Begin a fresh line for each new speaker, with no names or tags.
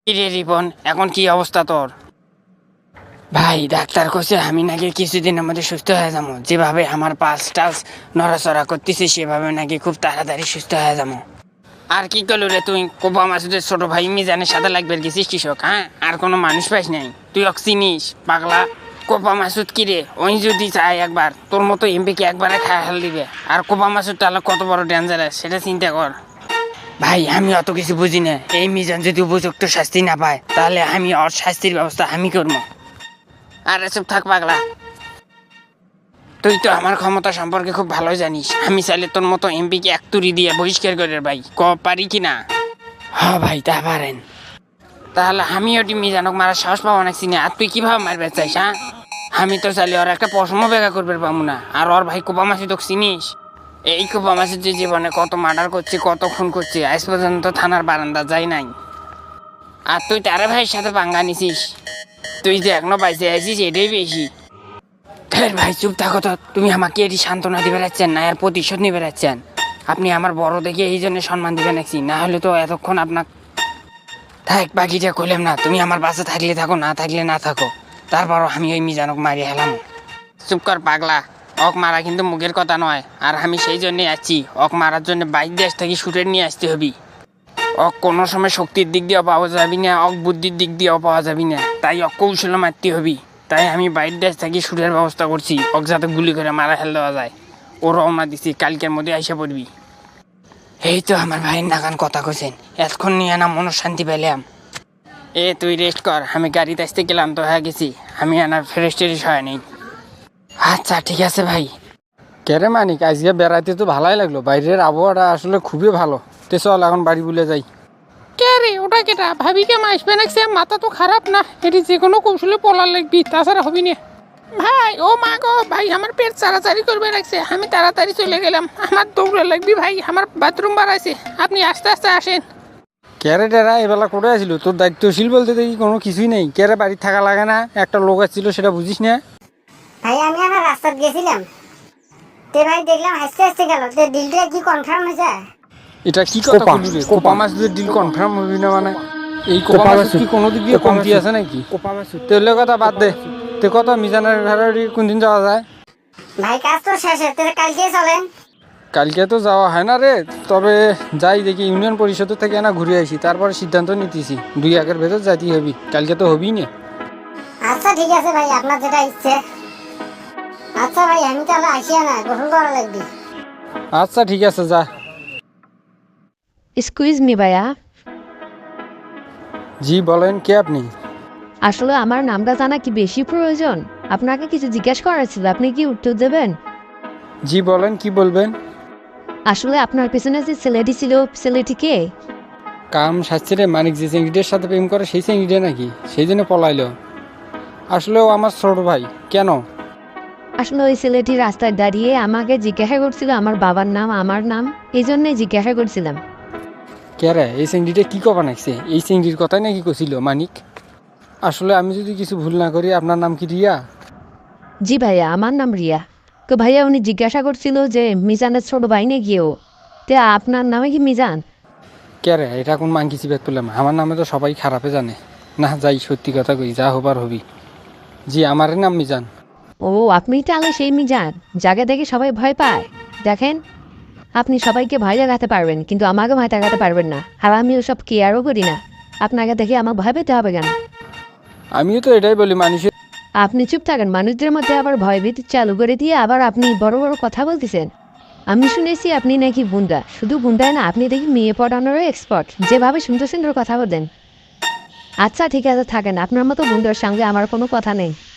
কিরে রিপন, এখন কি অবস্থা তোর? ভাই ডাক্তার কইছে আমি নাকি কিছুদিনের মধ্যে সুস্থ হয়ে যাবো। যেভাবে আমার পালস টালস নড়াচড়া করতেছে সেভাবে নাকি খুব তাড়াতাড়ি সুস্থ হয়ে যাবো। আর কি করলো রে তুই? কোপা মাসুদের ছোট ভাই মিজানের সাথে লাগবে গেছিস কৃষক, হ্যাঁ? আর কোনো মানুষ পাইস নাই? তুই অক চিনিস পাগলা? কোপা মাসুদ কিরে, ওই যদি চাই একবার তোর মতো এমপিকে একবারে খায় ফেল দিবে। আর কোপা মাসুদ তাহলে কত বড় ডেঞ্জারাস সেটা চিন্তা কর। ভাই আমি অত কিছু বুঝি না। এই মিজান যদি উপযুক্ত শাস্তি না পায় তাহলে আমি ওর শাস্তির ব্যবস্থা আমি করবো। আরে চুপ থাক পাগলা, তুই তো আমার ক্ষমতা সম্পর্কে খুব ভালো জানিস। আমি চাইলে তোর মতো এমপিকে এক তুড়ি দিয়ে বহিষ্কার করে ভাই, পারি কি না? হ্যাঁ ভাই তা পারেন। তাহলে আমি ওটি মিজানক মারার সাহস পাবো না চিনি। আর তুই কিভাবে মারবে চাইস? হ্যাঁ, আমি তো চাইলে ওর একটা পশমও বেগা করবে পাবো না। আর ওর ভাই কোপা মাসি তো চিনিস? এই কোপা মাসির যে জীবনে কত মার্ডার করছে, কত খুন করছে, আজ পর্যন্ত থানার বারান্দা যাই নাই। আর তুই তারে ভাইয়ের সাথে পাঙ্গা নিছিস। তুই যে এখনো বাইসে আছিস এটাই বেশি। ভাই চুপ থাকো তো। তুমি আমাকে এটি সান্ত্বনা দিবে রাখছেন না আর প্রতিশোধ নিবে রাখছেন? আপনি আমার বড় দেখে এই জন্য সম্মান দিবেন নাকি? না হলে তো এতক্ষণ আপনার থাক বাকিটা কইলাম না। তুমি আমার বাসে থাকলে থাকো, না থাকলে না থাকো, তারপরও আমি ওই মিজানক মারি হেলাম। চুপ কর পাগলা, অক মারা কিন্তু মুখের কথা নয়। আর আমি সেই জন্যে আছি, অক মারার জন্য বাইক দেশ থেকে শুটের নিয়ে আসতে হবি। অক কোনো সময় শক্তির দিক দিয়েও পাওয়া যাবি না, অক বুদ্ধির দিক দিয়েও পাওয়া যাবি না। তাই অক কৌশলে মারতে হবি। তাই আমি বাইক দেশ থেকে শুটের ব্যবস্থা করছি, অক যাতে গুলি করে মারা ফেল দেওয়া যায়। ও রওনা দিছি, কালকের মধ্যে আইসা পড়বি। এই তো আমার ভাইয়ের নাগান কথা কইছেন, এতক্ষণ নিয়ে না মনশান্তি পেলাম। তুই রেস্ট কর, আমি গাড়িতে আসতে গেলাম তো হয়ে গেছি। আমি আনার ফ্রেশ ট্রেশ হয় নেই। আচ্ছা ঠিক আছে ভাই।
কেরে মানিক, আজকে বেড়াইতে তো ভালোই লাগলো। বাইরের আবহাওয়াটা আসলে খুবই ভালো। তে চল এখন বাড়ি বলে যাই।
কে রে ওটা কেটা? ভাবিকে মাসবে নাকছে? মাথা তো খারাপ না, এটি যে কোনো কৌশলে পলার লাগবি, তাছাড়া হবি না। ভাই ও মা গো ভাই, আমার পেট চাড়াচাড়ি করবে রাখছে। আমি তাড়াতাড়ি চলে গেলাম, আমার দৌড়ে লাগবি ভাই। আমার বাথরুম বাড়াইছে, আপনি আস্তে আস্তে আসেন।
কেরে টেরা এবেলা করে আসিল? তোর দায়িত্বশীল বলতে দেখি কোনো কিছুই নেই। কেরে বাড়ি থাকা লাগে না? একটা লোক আসছিল সেটা বুঝিস না?
ভাই আমি আমার রাস্তায় গেছিলাম, তে ভাই দেখলাম হাসতে হাসতে গেল। তে ডিলটা কি কনফার্ম হয়েছে?
এটা কি কথা বলবি রে? কোপা মাছ যদি ডিল কনফার্ম হবি না মানে? এই কোপা মাছ কি কোনো দিক দিয়ে কমতি আছে নাকি? তেলে কথা বাদ দে। তে কত মিজানের ঘরে কোন দিন যাওয়া যায়?
ভাই কাজ তো শেষে, তে কালকে চলেন।
কালকে তো যাওয়া হয় না রে, তবে যাই দেখি ইউনিয়ন পরিষদ থেকে না ঘুরে আসি, তারপরে সিদ্ধান্ত নিতেছি। 2-1 ভেতর যাইতেই হবি, কালকে তো হবি না।
আচ্ছা ঠিক আছে ভাই, আপনার যেটা ইচ্ছে। আচ্ছা ভাই আমি তাহলে আসিয়া না, গোসল করা লাগবে।
আচ্ছা ঠিক আছে, যা।
এক্সকিউজ মি ভাইয়া,
জি বলেন, কে আপনি?
আসলে আমার নামটা জানা কি বেশি প্রয়োজন? আপনাকে কিছু জিজ্ঞেস করার ছিল, আপনি কি উত্তর দেবেন?
জি বলেন, কি বলবেন?
আসলে আপনার পেছনে যে ছেলেটি ছিল, ছেলেটি কে?
কাম সাজছে রে মানিক, যে চেঙ্গিটির সাথে প্রেম করে সেই চেঙ্গিটি নাকি? সেই জন্য পলাইলো। আসলে ও আমার ছোট ভাই। কেন?
আসলে ওই ছেলেটি রাস্তায় দাঁড়িয়ে আমাকে জিজ্ঞাসা করছিল আমার বাবার নাম, আমার নাম, এই জন্যই জিজ্ঞাসা করছিলাম।
কে রে? এই চেঙ্গিটা কি কবা নাকছে? এই চেঙ্গির কথাই নাকি কছিল মানিক? আসলে আমি যদি কিছু ভুল না করি, আপনার নাম কি রিয়া?
জি ভাইয়া, আমার নাম রিয়া। তো ভাইয়া উনি জিজ্ঞাসা করছিল যে মিজানের ছোট ভাই নাকি ও, তে আপনার নামে কি মিজান?
কে রে? এটা কোন মাংকি চিবাত পেলাম? আমার নামে তো সবাই খারাপে জানে। না যাই, সত্যি কথা কই, যা হবার হবি। জি আমার নাম মিজান।
ও আপনি তাহলে সেই মিজান যাকে দেখে সবাই ভয় পায়। দেখেন, আপনি সবাইকে ভয় দেখাতে পারবেন কিন্তু আমাকে ভয় দেখাতে পারবেন না। আর আমি ওসব কেয়ারও করি না। আপনাকে দেখে আমাকে ভয় পেতে হবে কেন?
আমিও তো এটাই বলি মানুষের।
আপনি চুপ থাকেন, মানুষদের মধ্যে আবার ভয়ভীতি চালু করে দিয়ে আবার আপনি বড় বড় কথা বলতেছেন। আমি শুনেছি আপনি নাকি গুন্ডা। শুধু গুন্ডায় না, আপনি দেখি মেয়ে পড়ানোরও এক্সপার্ট, যেভাবে সুন্দর সুন্দর কথা বলেন। আচ্ছা ঠিক আছে থাকেন, আপনার মতো গুন্ডার সঙ্গে আমার কোনো কথা নেই।